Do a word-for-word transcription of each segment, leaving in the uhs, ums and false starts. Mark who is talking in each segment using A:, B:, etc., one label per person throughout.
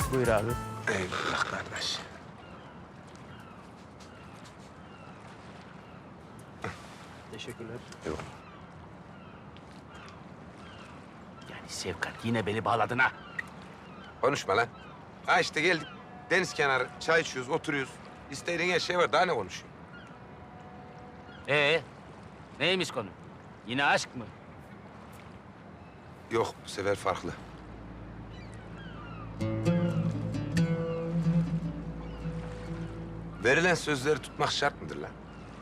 A: Buyur abi.
B: Eyvallah kardeş.
A: Teşekkürler.
B: Eyvallah.
A: Yani Şefkat yine beni bağladın ha.
B: Konuşma lan. Ha işte geldik. Deniz kenarı, çay içiyoruz, oturuyoruz. İstediğin her şey var. Daha ne konuşuyor?
A: Ee, neymiş konu? Yine aşk mı?
B: Yok, bu sefer farklı. Verilen sözleri tutmak şart mıdır lan?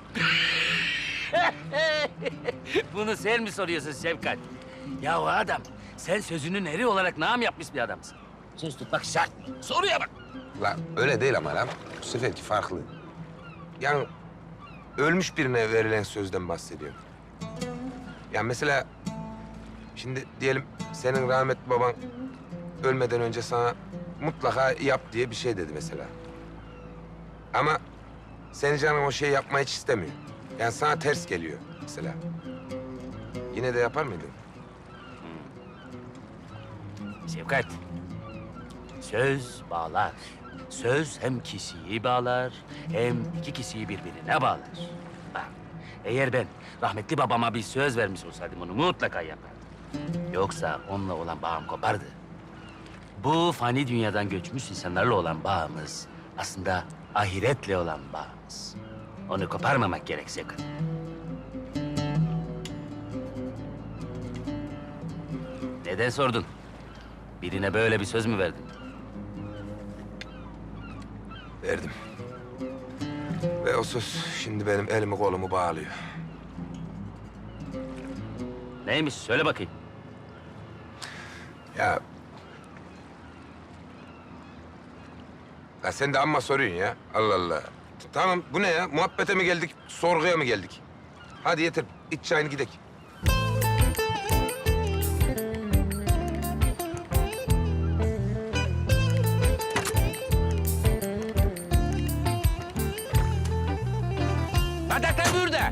A: Bunu sen mi soruyorsun Şefkat? Ya o adam, sen sözünün eri olarak nam yapmış bir adamsın. Söz tutmak şart mı? Soruya bak.
B: La öyle değil ama lan. Bu seferki farklı. Yani ölmüş birine verilen sözden bahsediyorum. Yani mesela şimdi diyelim senin rahmetli baban ölmeden önce sana mutlaka yap diye bir şey dedi mesela. Ama senin canın o şeyi yapmayı hiç istemiyor. Yani sana ters geliyor mesela. Yine de yapar mıydın?
A: Şefkat, söz bağlar. Söz hem kişiyi bağlar, hem iki kişiyi birbirine bağlar. Bak, eğer ben rahmetli babama bir söz vermiş olsaydım onu mutlaka yapardım. Yoksa onunla olan bağım kopardı. Bu fani dünyadan göçmüş insanlarla olan bağımız aslında ahiretle olan bağımız. Onu koparmamak gerek Şefkat. Neden sordun? Birine böyle bir söz mü verdin?
B: Verdim. Ve o söz şimdi benim elimi kolumu bağlıyor.
A: Neymiş? Söyle bakayım.
B: Ya... Ya sen de amma soruyorsun ya. Allah Allah. Tamam bu ne ya? Muhabbete mi geldik, sorguya mı geldik? Hadi yeter. İç çayını gidelim.
A: Bardaklar burada.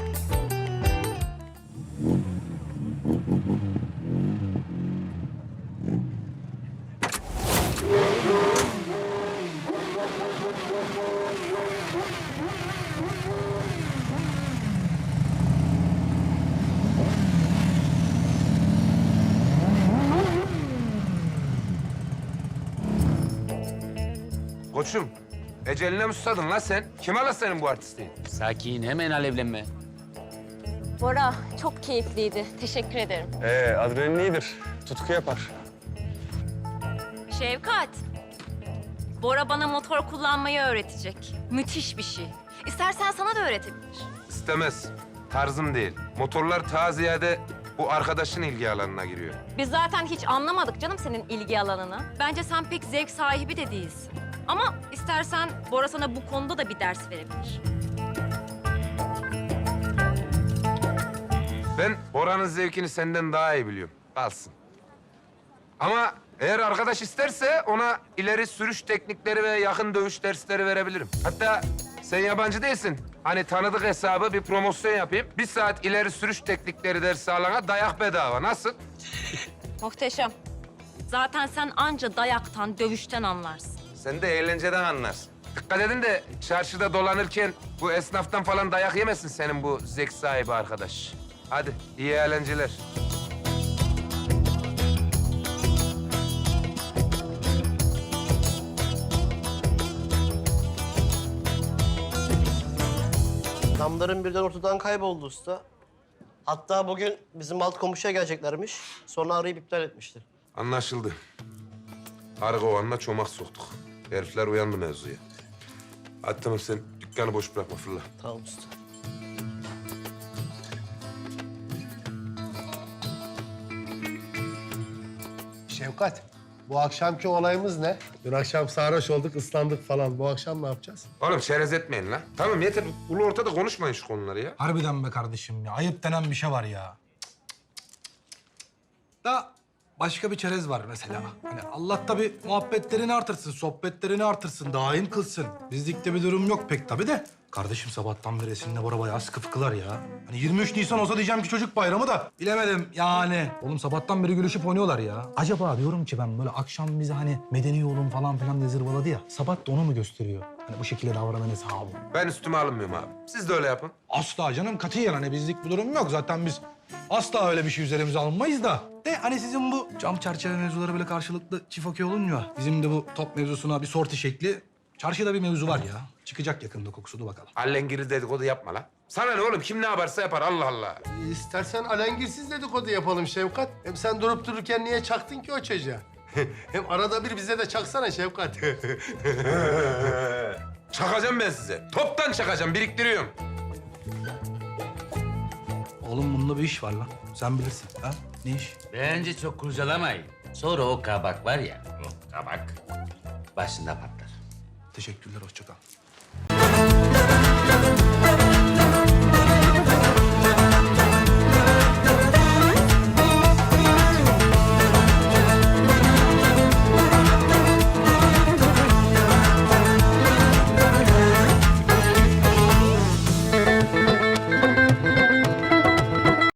B: Koçum, eceline mi susadın lan sen? Kim ala senin bu artistliğin?
A: Sakin, hemen alevlenme.
C: Bora, çok keyifliydi. Teşekkür ederim.
D: Ee, adrenalin iyidir. Tutku yapar.
C: Şevkat, Bora bana motor kullanmayı öğretecek. Müthiş bir şey. İstersen sana da öğretebilir.
B: İstemez. Tarzım değil. Motorlar ta ziyade bu arkadaşın ilgi alanına giriyor.
C: Biz zaten hiç anlamadık canım senin ilgi alanını. Bence sen pek zevk sahibi de değilsin. Ama istersen Bora sana bu konuda da bir ders verebilir.
B: Ben Bora'nın zevkini senden daha iyi biliyorum. Kalsın. Ama eğer arkadaş isterse ona ileri sürüş teknikleri ve yakın dövüş dersleri verebilirim. Hatta sen yabancı değilsin. Hani tanıdık hesabı bir promosyon yapayım. Bir saat ileri sürüş teknikleri dersi alana dayak bedava. Nasıl?
C: Muhteşem. Zaten sen anca dayaktan, dövüşten anlarsın.
B: Sen de eğlenceden anlarsın. Dikkat edin de çarşıda dolanırken bu esnaftan falan dayak yemesin senin bu zevk sahibi arkadaş. Hadi iyi eğlenceler.
E: Adamların birden ortadan kayboldu usta. Hatta bugün bizim alt komşuya geleceklermiş. Sonra arayıp iptal etmişler.
B: Anlaşıldı. Arı kovanına çomak soktuk. Herifler uyandı mevzuya. Hadi tamam sen dükkanı boş bırakma fırla.
E: Tamam usta.
F: Şevkat, bu akşamki olayımız ne? Dün akşam sarhoş olduk, ıslandık falan. Bu akşam ne yapacağız?
B: Oğlum çerez etmeyin lan. Tamam yeter. Ulu ortada konuşmayın şu konuları ya.
G: Harbiden be kardeşim ya. Ayıp denen bir şey var ya. Da başka bir çerez var mesela. Hani Allah tabii muhabbetlerini artırsın, sohbetlerini artırsın, daim kılsın. Bizlikte bir durum yok pek tabii de. Kardeşim sabahtan beri Esin'le Bora bayağı sıkı fıkılar ya. Hani yirmi üç Nisan olsa diyeceğim ki çocuk bayramı da bilemedim yani. Oğlum sabahtan beri gülüşüp oynuyorlar ya. Acaba diyorum ki ben böyle akşam bize hani medeni yolun falan filan diye zırvaladı ya. Sabah da onu mu gösteriyor? Hani bu şekilde davranan hesabı.
B: Ben üstüme alınmıyorum abi. Siz de öyle yapın.
G: Asla canım katiyen hani bizlik bir durum yok. Zaten biz asla öyle bir şey üzerimize alınmayız da. De hani sizin bu cam çerçeve mevzuları böyle karşılıklı çift okey olunmuyor. Bizim de bu top mevzusuna bir sorti şekli. Çarşıda bir mevzu var ya. Çıkacak yakında kokusu, dur bakalım.
B: Allengiri dedikodu yapma lan. Sana ne oğlum? Kim ne yaparsa yapar Allah Allah.
F: İstersen alengirsiz dedikodu yapalım Şevkat. Hem sen durup dururken niye çaktın ki o çocuğa? Hem arada bir bize de çaksana Şevkat.
B: Çakacağım ben size. Toptan çakacağım. Biriktiriyorum.
G: Oğlum bunda bir iş var lan. Sen bilirsin. Ha? Ne iş?
A: Bence çok kurcalamayın. Sonra o kabak var ya, o kabak başında patlar.
G: Teşekkürler, hoşça kal.